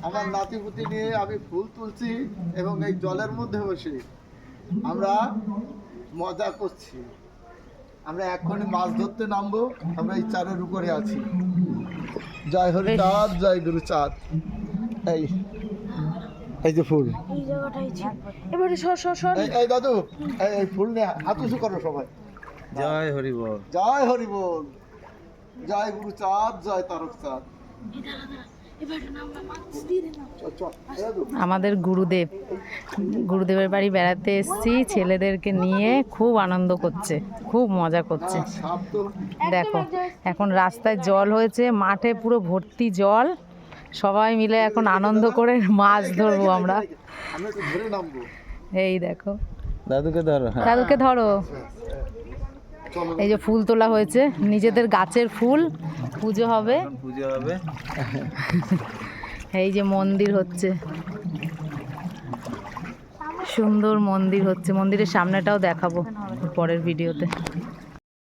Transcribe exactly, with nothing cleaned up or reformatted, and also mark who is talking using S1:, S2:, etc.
S1: আমার নাতিপুতি নিয়ে আমি ফুল তুলছি এবং এই জলের মধ্যে বসে আমরা মজা করছি। আমরা এখনই মাছ ধরতে নামবো, আমরা এই চারের উপরে আছি। জয় হরি চাঁদ, জয় গুরু চাঁদ। এই এই যে ফুল,
S2: এবারে সর সর সর
S1: এই এই দাদু, এই এই ফুল নিয়ে হাত উঁচু করো সবাই।
S3: জয় হরি বল,
S1: জয় হরি বল, জয় গুরু চাঁদ, জয় তারক চাঁদ। চল, চল, এই দাদু।
S2: আমাদের গুরুদেব, গুরুদেবের বাড়ি বেড়াতে এসেছি, ছেলেদেরকে নিয়ে খুব আনন্দ করছে, খুব মজা করছে।
S1: না, সাপ তো
S2: দেখো এখন রাস্তায় জল হয়েছে, মাঠে পুরো ভর্তি জল, সবাই মিলে এখন আনন্দ করে মাছ ধরবো আমরা।
S1: আমরা তো ধরে নামবো।
S2: এই দেখো,
S3: দাদুকে ধরো। হ্যাঁ,
S2: দাদুকে ধরো।
S1: চলো
S2: এই যে ফুল তোলা হয়েছে, নিজেদের গাছের ফুল, পুজো হবে।
S3: এখন পুজো হবে।
S2: এই যে মন্দির হচ্ছে, সুন্দর মন্দির হচ্ছে, মন্দিরের সামনেটাও দেখাবো পরের ভিডিওতে।